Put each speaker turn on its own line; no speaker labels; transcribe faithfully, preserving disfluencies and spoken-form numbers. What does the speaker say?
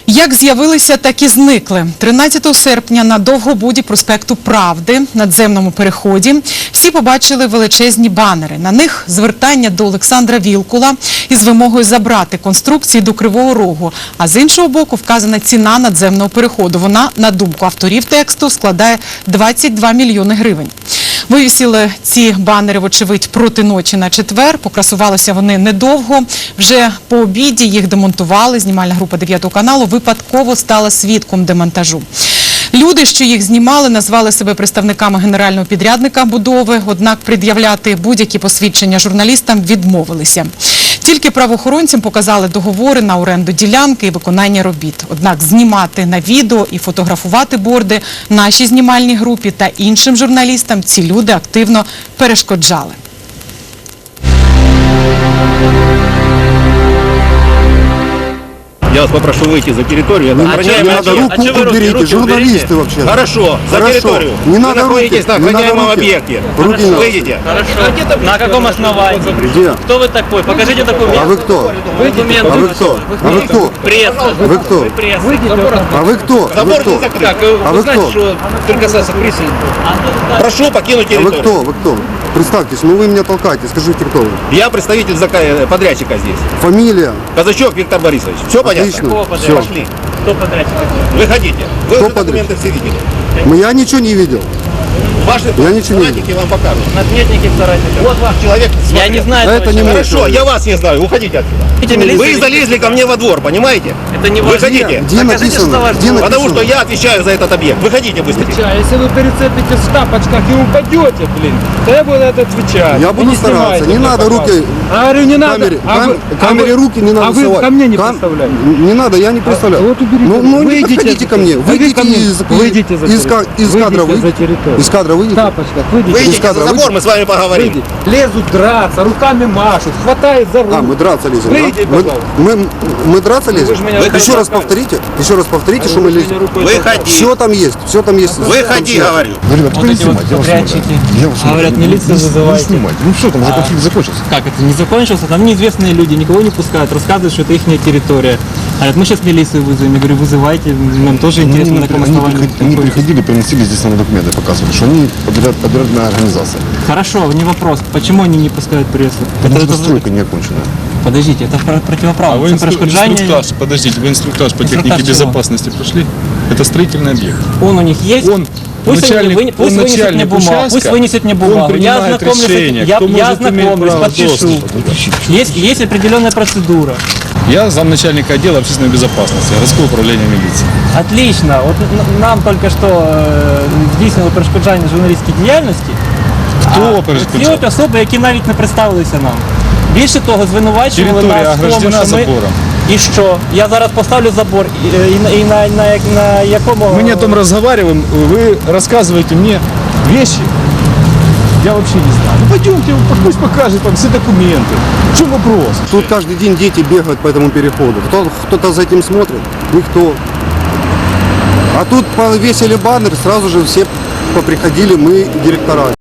Як з'явилися, так і зникли. тринадцятого серпня на Довгобуді проспекту Правди, надземному переході, всі побачили величезні банери. На них звертання до Олександра Вілкула із вимогою забрати конструкції до Кривого Рогу. А з іншого боку вказана ціна надземного переходу. Вона, на думку авторів тексту, складає двадцять два мільйони гривень. Вивісили ці банери, вочевидь, проти ночі на четвер. Покрасувалися вони недовго. Вже по обіді їх демонтували. Знімальна група дев'ятого каналу випадково стала свідком демонтажу. Люди, що їх знімали, назвали себе представниками генерального підрядника будови, однак пред'являти будь-які посвідчення журналістам відмовилися. Тільки правоохоронцям показали договори на оренду ділянки і виконання робіт. Однак знімати на відео і фотографувати борди нашій знімальній групі та іншим журналістам ці люди активно перешкоджали.
Я вас попрошу выйти за территорию.
Не, не надо, руку
а
уберите,
руки
журналисты
уберите?
вообще.
Хорошо, за
Хорошо.
территорию.
Не
Вы
надо
находитесь
руки,
на
не надо
охраняемом
руки.
объекте.
Руки не надо.
Выйдите.
Хорошо. На каком основании?
Где?
Кто вы такой? Покажите документ.
А вы кто?
Документы.
А вы кто? А вы кто?
Пресса.
Вы кто?
Пресса.
А вы кто? А вы
Забор не
кто?
закрыт.
Так,
А
вы
вы
знаете,
кто?
что только касается прессы.
Прошу покинуть
А вы
территорию.
кто? Вы кто? Представьтесь, ну вы меня толкаете, скажите, кто вы?
Я представитель зака- подрядчика здесь.
Фамилия?
Казачок Виктор Борисович. Все понятно?
Отлично.
Все.
Все.
Пошли.
Кто подрядчик?
Выходите. Вы
Кто
уже документы все видели.
Я ничего не видел.
Ваши
Я ничего не
соратники вам покажут.
Надметники соратники.
Вот ваш человек.
Я
смотрит.
не знаю
Да
этого
это не
человека.
мой.
Хорошо, я вас не знаю. Уходите отсюда.
Видите, милицию
Вы
видите?
залезли ко мне во двор, понимаете?
Это не важно.
Выходите.
Где
Покажите,
написано?
что ваш
Где
двор.
написано?
Потому что я отвечаю за этот объект. Выходите быстрее.
А если вы прицепитесь в тапочках и упадете, блин, то я буду это отвечать.
Я
И
буду
не
стараться.
снимайте
Не
меня,
надо
пожалуйста.
руки.
А говорю, не надо.
Камере,
а
кам-
вы- а
камере
вы-
руки не надо
А вы
совать.
ко мне не
Кам-
представляете.
Не надо, я не представляю.
Вот уберите.
Ну, ну не
Выйдите
подходите ко мне.
А вы
Выйдите
ко мне.
из,
Выйдите за
из, ка- из
территорию.
кадра.
Выйдите за
Выйдите.
территорию.
Из кадра
В
выйдите.
тапочках выйдите.
Выйдите
из кадра
за забор,
выйдите.
мы с вами поговорим.
Выйдите. Лезут драться, руками машут, хватает за руку.
А, мы драться лезем,
Выйди,
да? Мы,
пожалуйста.
мы, мы драться лезем?
Вы ж меня
Еще
рукой
раз
толкаете.
повторите. Еще раз повторите, что мы лезем.
Выходи.
Все там есть, все там есть.
Выходи, говорю.
Ребят,
Вот эти вот подрядчики. Говорят, милицию вызывайте.
Ну что там, уже конфликт закончился?
Как это не закончился? Там неизвестные люди, никого не пускают, рассказывают, что это их территория. Говорят, мы сейчас милицию вызовем. Я говорю, вызывайте, нам тоже интересно, на каком основании.
Они приходили, приносили здесь нам документы, показывали, что они подряд, подрядная организация.
Хорошо, не вопрос. Почему они не пускают прессу?
Потому
Это-
что
это-
стройка не окончена.
Подождите, это про- противоправно.
А вы
Это
инстру-
перешкоджание.
инструктаж, подождите, вы инструктаж по
Инструктаж
технике
чего?
безопасности прошли? Это строительный объект.
Он у них есть?
Он
Пусть,
начальник,
они, вы- пусть
он
вынесет мне
начальник
бумагу,
участка,
пусть вынесет мне бумагу.
он
Я
принимает
ознакомлюсь, с
решение,
этим. я,
кто
я
может иметь
ознакомлюсь,
право
подпишу.
доступа.
Есть, есть определенная процедура.
Я замначальника отдела общественной безопасности городского управления милиции.
Отлично. От н- нам тільки що е, здійснили перешкоджання журналістській діяльності.
Хто
А
перешкоджав?
ці от особи, які навіть не представилися нам. Більше того, звинувачували
Територія
нас в тому,
ограждена
що ми...
забором.
І що? Я зараз поставлю забор, і, і, на- і на, на, як- на якому...
Мы не о том разговариваем, вы рассказываете мне вещи, я вообще не знаю. Ну пойдемте, пусть покажет вам все документы. В чем вопрос?
Тут каждый день дети бегают по этому переходу. Кто, кто-то за этим смотрит? Никто. А тут повесили баннер, сразу же все поприходили, мы, директора.